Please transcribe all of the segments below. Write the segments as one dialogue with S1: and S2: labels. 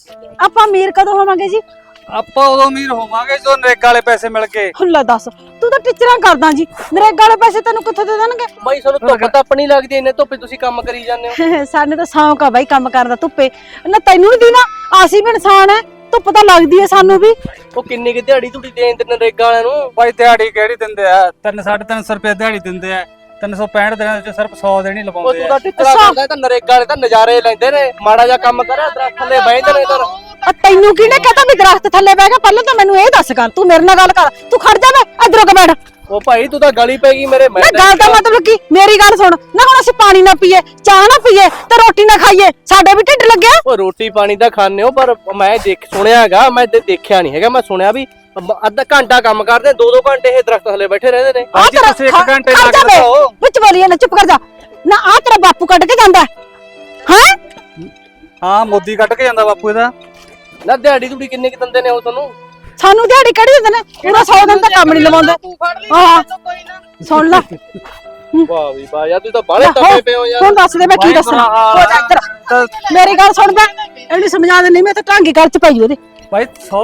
S1: ਆਪਾਂ ਅਮੀਰ ਕਦੋਂ ਹੋਵਾਂਗੇ ਜੀ?
S2: ਆਪਾਂ ਉਦੋਂ ਅਮੀਰ ਹੋਵਾਂਗੇ ਜਦੋਂ ਨਰੇਗਾ ਵਾਲੇ ਪੈਸੇ ਮਿਲ ਗਏ।
S1: ਹੁੱਲਾ ਦੱਸ, ਤੂੰ ਤਾਂ ਟੀਚਰਾਂ ਕਰਦਾ ਜੀ, ਨਰੇਗਾ ਵਾਲੇ ਪੈਸੇ ਤੈਨੂੰ ਕਿੱਥੋਂ ਦੇ ਦੇਣਗੇ?
S3: ਬਾਈ ਤੁਹਾਨੂੰ ਧੁੱਪ ਤਾਂ ਆਪਣੀ ਲੱਗਦੀ ਇੰਨੇ ਧੁੱਪੇ ਤੁਸੀਂ ਕੰਮ ਕਰੀ ਜਾਂਦੇ ਹੋ।
S1: ਸਾਨੂੰ ਤਾਂ ਸ਼ੌਂਕ ਆ ਬਾਈ ਕੰਮ ਕਰਨ ਦਾ ਧੁੱਪੇ। ਨਾ ਤੈਨੂੰ ਨਹੀਂ ਦੀਨਾ, ਅਸੀਂ ਵੀ ਇਨਸਾਨ ਐ, ਧੁੱਪ ਤਾਂ ਲੱਗਦੀ ਐ ਸਾਨੂੰ ਵੀ।
S3: ਉਹ ਕਿੰਨੀ ਕਿ ਦਿਹਾੜੀ ਤੁਹਾਡੀ ਦੇਣ ਤੇ ਨਰੇਗਾ ਵਾਲਿਆਂ ਨੂੰ?
S2: ਭਾਈ ਦਿਹਾੜੀ ਕਿਹੜੀ ਦਿੰਦੇ ਆ? 300-350 ਰੁਪਏ ਦਿਹਾੜੀ ਦਿੰਦੇ ਆ। 365 ਦਿਨਾਂ ਵਿੱਚ ਸਿਰਫ 100 ਦਿਨ ਹੀ
S3: ਉਹ
S2: ਲਵਾਉਂਦੇ
S3: ਤੂੰ
S2: ਆ।
S3: ਤਾਂ ਟਿੱਚਰਾ ਕਰਦਾ ਤਾਂ ਨਰੇਗਾ ਵਾਲੇ ਤਾਂ ਨਜ਼ਾਰੇ ਲੈਂਦੇ ਨੇ। ਮਾੜਾ ਜਿਹਾ ਕੰਮ ਕਰਿਆ ਦਰਖਤ ਥੱਲੇ ਬਹਿੰਦੇ ਨੇ ਇਧਰ।
S1: ਤੈਨੂੰ ਕਿਹਨੇ ਕਹਤਾ ਵੀ ਦਰਖਤ ਥੱਲੇ ਬਹਿ ਗਿਆ? ਪਹਿਲਾਂ ਤਾਂ ਮੈਨੂੰ ਇਹ ਦੱਸ ਕਰ, ਤੂੰ ਮੇਰੇ ਨਾਲ ਗੱਲ ਕਰ। ਤੂੰ ਖੜ ਜਾ, ਮੈਂ ਇਧਰੋਂ ਕ ਬੈਠ।
S3: ਉਹ ਭਾਈ ਤੂੰ ਤਾਂ ਗਲੀ ਪੈ ਗਈ ਮੇਰੇ।
S1: ਨਾ ਗੱਲ ਦਾ ਮਤਲਬ ਕੀ? ਮੇਰੀ ਗੱਲ ਸੁਣ ਨਾ, ਹੁਣ ਅਸੀਂ ਪਾਣੀ ਨਾ ਪੀਏ, ਚਾਹ ਨਾ ਪੀਏ ਤੇ ਰੋਟੀ ਨਾ ਖਾਈਏ, ਸਾਡੇ ਵੀ ਢਿੱਡ ਲੱਗਿਆ।
S3: ਉਹ ਰੋਟੀ ਪਾਣੀ ਤਾਂ ਖਾਣੇ ਹੋ, ਪਰ ਮੈਂ ਸੁਣਿਆ ਹੈਗਾ, ਮੈਂ ਦੇਖਿਆ ਨਹੀਂ ਹੈਗਾ। ਮੈਂ ਸੁਣਿਆ ਵੀ ਅੱਧਾ ਘੰਟਾ ਕੰਮ ਕਰਦੇ, 2-2 ਘੰਟੇ ਇਹ ਦਰਖਤ ਥੱਲੇ ਬੈਠੇ ਰਹਿੰਦੇ ਨੇ।
S2: ਭਾਈ ਜੀ ਤੁਸੀਂ 1 ਘੰਟੇ ਲੱਗ ਜਾਓ।
S1: ਵਿੱਚ ਬੋਲੀਏ ਨਾ, ਚੁੱਪ ਕਰ ਜਾ ਨਾ। ਆ ਤੇਰਾ ਬਾਪੂ ਕੱਢ ਕੇ ਜਾਂਦਾ ਹੈ?
S2: ਹਾਂ, ਮੋਦੀ ਕੱਢ ਕੇ ਜਾਂਦਾ ਬਾਪੂ ਇਹਦਾ।
S3: ਨਾ ਦਿਹਾੜੀ ਤੁਹਾਡੀ ਕਿੰਨੇ ਕਿ ਦਿੰਦੇ ਨੇ ਉਹ ਤੁਹਾਨੂੰ?
S1: ਸਾਨੂੰ ਦਿਹਾੜੀ ਕਿਹੜੀ ਦਿੰਦੇ ਨੇ? ਪੂਰਾ 100 ਦਿਨ ਤਾਂ ਕੰਮ ਨਹੀਂ ਲਵਾਉਂਦੇ। ਹਾਂ ਸੁਣ ਲੈ,
S3: ਵਾਹ ਵੀ ਵਾਹ ਯਾਰ, ਤੂੰ ਤਾਂ ਬਾਹਲੇ ਟੱਪੇ ਪਏ ਹੋ ਯਾਰ।
S1: ਹੁਣ ਦੱਸ ਦੇ ਮੈਂ ਕੀ ਦੱਸਾਂ। ਹੋ ਜਾ ਇੱਧਰ, ਮੇਰੀ ਗੱਲ ਸੁਣਦਾ, ਇਹਨੂੰ ਸਮਝਾ ਦੇ, ਨਹੀਂ ਮੈਂ ਤਾਂ ਢਾਂਗੀ ਗੱਲ ਚ ਪਈ ਉਹਦੇ।
S2: ਭਾਈ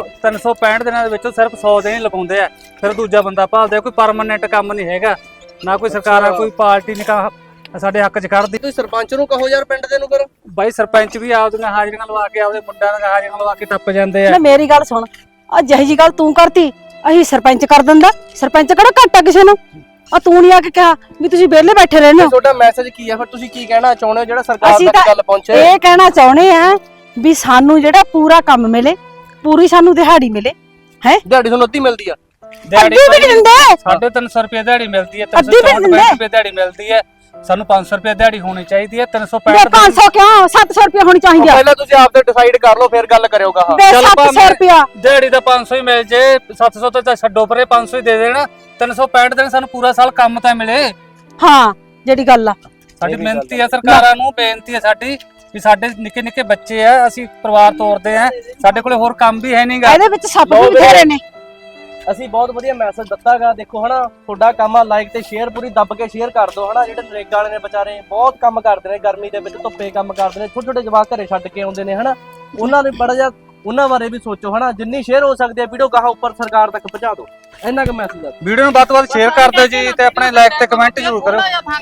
S2: 365 ਦਿਨਾਂ ਦੇ ਵਿੱਚੋਂ ਸਿਰਫ 100 ਦਿਨ ਹੀ ਲਗਾਉਂਦੇ ਆ, ਫਿਰ ਦੂਜਾ ਬੰਦਾ ਭਾਲਦੇ ਆ। ਕੋਈ ਪਰਮਾਨੈਂਟ ਕੰਮ ਨਹੀਂ ਹੈਗਾ, ਨਾ ਕੋਈ ਸਰਕਾਰ ਕੋਈ ਪਾਰਟੀ ਨਹੀਂ ਸਾਡੇ ਹੱਕ 'ਚ ਖੜਦੀ।
S3: ਤੁਸੀਂ ਸਰਪੰਚ ਨੂੰ ਕਹੋ ਯਾਰ, ਪਿੰਡ ਦੇ ਨੂੰ ਕਰੋ।
S2: ਭਾਈ ਸਰਪੰਚ ਵੀ ਆਪਦੀਆਂ ਹਾਜ਼ਰੀਆਂ ਲਵਾ ਕੇ, ਆਪਦੇ ਮੁੰਡਿਆਂ ਦੀਆਂ ਹਾਜ਼ਰੀਆਂ ਲਵਾ ਕੇ ਟੱਪ ਜਾਂਦੇ ਆ।
S1: ਨਾ ਮੇਰੀ ਗੱਲ ਸੁਣ, ਆ ਜਿਹੀ ਜੀ ਗੱਲ ਤੂੰ ਕਰਤੀ, ਅਸੀਂ ਸਰਪੰਚ ਕਰ ਦਿੰਦਾ। ਸਰਪੰਚ ਕਿਹੜਾ ਘੱਟ ਆ ਕਿਸੇ ਨੂੰ? ਆ ਤੂੰ ਨਹੀਂ ਆ ਕੇ ਕਿਹਾ ਵੀ ਤੁਸੀਂ ਵਿਹਲੇ ਬੈਠੇ ਰਹਿੰਦੇ ਹੋ।
S3: ਤੁਹਾਡਾ ਮੈਸੇਜ ਕੀ ਆ ਫਿਰ? ਤੁਸੀਂ ਕੀ ਕਹਿਣਾ ਚਾਹੁੰਦੇ ਹੋ ਜਿਹੜਾ ਸਰਕਾਰ
S1: ਅਸੀਂ
S3: ਤੱਕ
S1: ਤਾਂ
S3: ਗੱਲ ਪਹੁੰਚੇ?
S1: ਇਹ ਕਹਿਣਾ ਚਾਹੁੰਦੇ ਆ ਵੀ ਸਾਨੂੰ ਜਿਹੜਾ ਪੂਰਾ ਕੰਮ ਮਿਲੇ, ਪੂਰੀ ਸਾਨੂੰ ਦਿਹਾੜੀ ਮਿਲੇ। ਹੈ
S3: ਦਿਹਾੜੀ ਤੁਹਾਨੂੰ ਅੱਧੀ ਮਿਲਦੀ ਆ?
S1: ਅੱਧੀ ਵੀ ਨਹੀਂ ਦਿੰਦੇ।
S2: 350 ਰੁਪਏ ਦਿਹਾੜੀ ਮਿਲਦੀ ਹੈ,
S1: ਅੱਧੀ ਵੀ
S2: 365 ਰੁਪਏ ਦਿਹਾੜੀ ਮਿਲਦੀ ਹੈ। ਸਾਨੂੰ 500 ਰੁਪਏ ਦਿਹਾੜੀ ਹੋਣੀ ਚਾਹੀਦੀ ਹੈ। 365
S1: 500 ਕਿਉਂ? 700 ਰੁਪਏ ਹੋਣੀ ਚਾਹੀਦੀ ਆ।
S3: ਪਹਿਲਾਂ ਤੁਸੀਂ ਆਪ ਤੇ ਡਿਸਾਈਡ ਕਰ ਲਓ, ਫਿਰ ਗੱਲ ਕਰਿਓ ਕਹਾ।
S1: ਬੇ 700 ਰੁਪਿਆ
S2: ਦਿਹਾੜੀ ਦਾ 500 ਹੀ ਮਿਲ ਜੇ, 700 ਤਾਂ ਛੱਡੋ ਪਰੇ, 500 ਹੀ ਦੇ ਦੇਣਾ। 365 ਦਿਨ ਸਾਨੂੰ ਪੂਰਾ ਸਾਲ ਕੰਮ ਤਾਂ ਮਿਲੇ।
S1: ਹਾਂ ਜਿਹੜੀ ਗੱਲ ਆ,
S2: ਸਾਡੀ ਮਿਹਨਤੀ ਆ, ਸਰਕਾਰਾਂ ਨੂੰ ਬੇਨਤੀ ਹੈ ਸਾਡੀ ਵੀ ਸਾਡੇ ਨਿੱਕੇ ਨਿੱਕੇ ਬੱਚੇ ਆ, ਅਸੀਂ ਪਰਿਵਾਰ ਤੋਰਦੇ ਆ, ਸਾਡੇ ਕੋਲੇ ਹੋਰ ਕੰਮ ਵੀ ਹੈ ਨਹੀਂਗਾ।
S1: ਇਹਦੇ ਵਿੱਚ ਸੱਪ ਵੀ ਬਥੇਰੇ ਨੇ।
S3: ਅਸੀਂ ਬਹੁਤ ਵਧੀਆ ਮੈਸੇਜ ਦਿੱਤਾਗਾ। ਦੇਖੋ ਹਨਾ, ਤੁਹਾਡਾ ਕੰਮ ਆ, ਲਾਈਕ ਤੇ ਸ਼ੇਅਰ ਪੂਰੀ ਦੱਬ ਕੇ ਸ਼ੇਅਰ ਕਰ ਦਿਓ ਹਨਾ। ਜਿਹੜੇ ਨਰੇਗਾ ਵਾਲੇ ਨੇ ਵਿਚਾਰੇ ਬਹੁਤ ਕੰਮ ਕਰਦੇ ਨੇ, ਗਰਮੀ ਦੇ ਵਿੱਚ ਧੁੱਪੇ ਕੰਮ ਕਰਦੇ ਨੇ, ਛੋਟੇ ਛੋਟੇ ਜਵਾਕ ਘਰੇ ਛੱਡ ਕੇ ਆਉਂਦੇ ਨੇ ਹਨਾ। ਉਹਨਾਂ ਨੇ ਬੜਾ ਜਿਹਾ ਉਹਨਾਂ ਬਾਰੇ ਵੀ ਸੋਚੋ ਹਨਾ। ਜਿੰਨੀ ਸ਼ੇਅਰ ਹੋ ਸਕਦੀ ਹੈ ਵੀਡੀਓ ਗਾਹਾਂ ਉੱਪਰ ਸਰਕਾਰ ਤੱਕ ਪਹੁੰਚਾ ਦਿਓ। ਇੰਨਾ ਕੁ ਮੈਸੇਜ ਆ।
S2: ਵੀਡੀਓ ਨੂੰ ਵੱਧ ਤੋਂ ਵੱਧ ਸ਼ੇਅਰ ਕਰ ਦਿਓ ਜੀ, ਤੇ ਆਪਣੇ ਲਾਈਕ ਤੇ ਕਮੈਂਟ ਜ਼ਰੂਰ ਕਰੋ।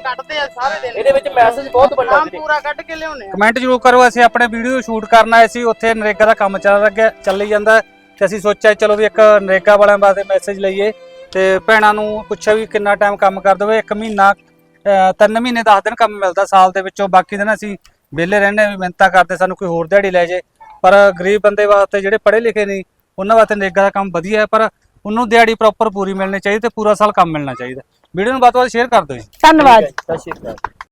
S3: ਇਹਦੇ ਵਿੱਚ ਮੈਸੇਜ ਬਹੁਤ ਵੱਡਾ ਜੀ,
S4: ਪੂਰਾ ਕੱਢ ਕੇ ਲਿਆਉਣੇ ਆ।
S2: ਕਮੈਂਟ ਜ਼ਰੂਰ ਕਰੋ। ਅਸੀਂ ਆਪਣੇ ਵੀਡੀਓ ਸ਼ੂਟ ਕਰਨਾ ਆਏ ਸੀ, ਉੱਥੇ ਨਰੇਗਾ ਦਾ ਕੰਮ ਚੱਲੀ ਜਾਂਦਾ, ਤੇ ਅਸੀਂ ਸੋਚਿਆ ਚਲੋ ਵੀ ਇੱਕ ਨਰੇਗਾ ਵਾਲਿਆਂ ਵਾਸਤੇ ਮੈਸੇਜ ਲਈਏ, ਤੇ ਭੈਣਾਂ ਨੂੰ ਪੁੱਛਿਆ ਵੀ ਕਿੰਨਾ ਟਾਈਮ ਕੰਮ ਕਰ ਦੋਗੇ। 1 ਮਹੀਨਾ 3 ਮਹੀਨੇ 10 ਦਿਨ ਕੰਮ ਮਿਲਦਾ ਸਾਲ ਦੇ ਵਿੱਚੋਂ, ਬਾਕੀ ਦਿਨ ਅਸੀਂ ਵਿਹਲੇ ਰਹਿੰਦੇ ਵੀ ਮਿਹਨਤਾਂ ਕਰਦੇ, ਸਾਨੂੰ ਕੋਈ ਹੋਰ ਦਿਹਾੜੀ ਲੈ ਜੇ। ਪਰ ਗਰੀਬ ਬੰਦੇ ਵਾਸਤੇ, ਜਿਹੜੇ ਪੜ੍ਹੇ ਲਿਖੇ ਨਹੀਂ, ਉਹਨਾਂ ਵਾਸਤੇ ਨਰੇਗਾ ਦਾ ਕੰਮ ਵਧੀਆ ਹੈ, ਪਰ ਉਹਨੂੰ ਦਿਹਾੜੀ ਪ੍ਰੋਪਰ ਪੂਰੀ ਮਿਲਣੀ ਚਾਹੀਦੀ ਤੇ ਪੂਰਾ ਸਾਲ ਕੰਮ ਮਿਲਣਾ ਚਾਹੀਦਾ। ਵੀਡੀਓ ਨੂੰ ਵੱਧ ਤੋਂ ਵੱਧ ਸ਼ੇਅਰ ਕਰ ਦਿਓ ਜੀ।
S1: ਧੰਨਵਾਦ।
S3: ਸਤਿ ਸ਼੍ਰੀ ਅਕਾਲ।